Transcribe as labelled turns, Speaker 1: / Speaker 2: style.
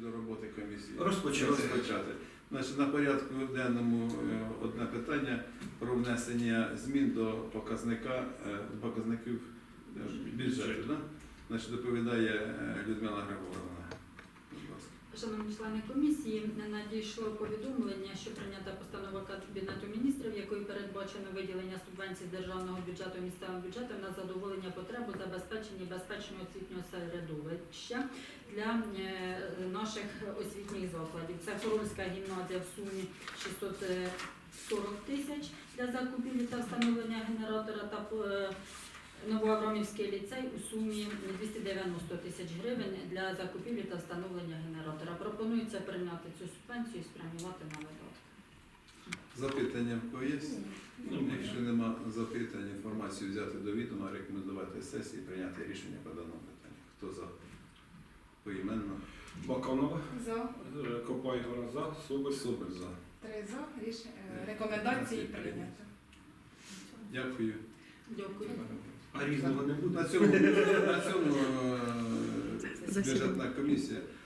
Speaker 1: до роботи комісії.
Speaker 2: Розпочати.
Speaker 1: Значить, на порядку денному одне питання про внесення змін до показників бюджету. Да? Значить, доповідає Людмила Григорівна. Будь ласка.
Speaker 3: Шановні члени комісії, надійшло повідомлення, що прийнята постанова Кабінету міністрів, якою передбачено виділення субвенцій з державного бюджету місцевим бюджетом на задоволення потреб у забезпеченні безпечного освітнього середовища для наших освітніх закладів. Це Хорольська гімназія в сумі 640 тисяч для закупівлі та встановлення генератора та Новоаврамівський ліцей у сумі 290 тисяч гривень для закупівлі та встановлення генератора. Пропонується прийняти цю субвенцію і спрямувати на видатки.
Speaker 1: Запитання в кого є? Якщо нема запитань, інформацію взяти до відома, рекомендувати сесії, прийняти рішення по даному питанню. Хто за? Поіменно.
Speaker 2: Баканова,
Speaker 4: За.
Speaker 2: Копайгора за, Соболь.
Speaker 1: Супер за.
Speaker 4: 3 за. Рекомендації прийнято.
Speaker 1: Дякую.
Speaker 3: Дякую.
Speaker 2: А різного не буде?
Speaker 1: На цьому бюджетна комісія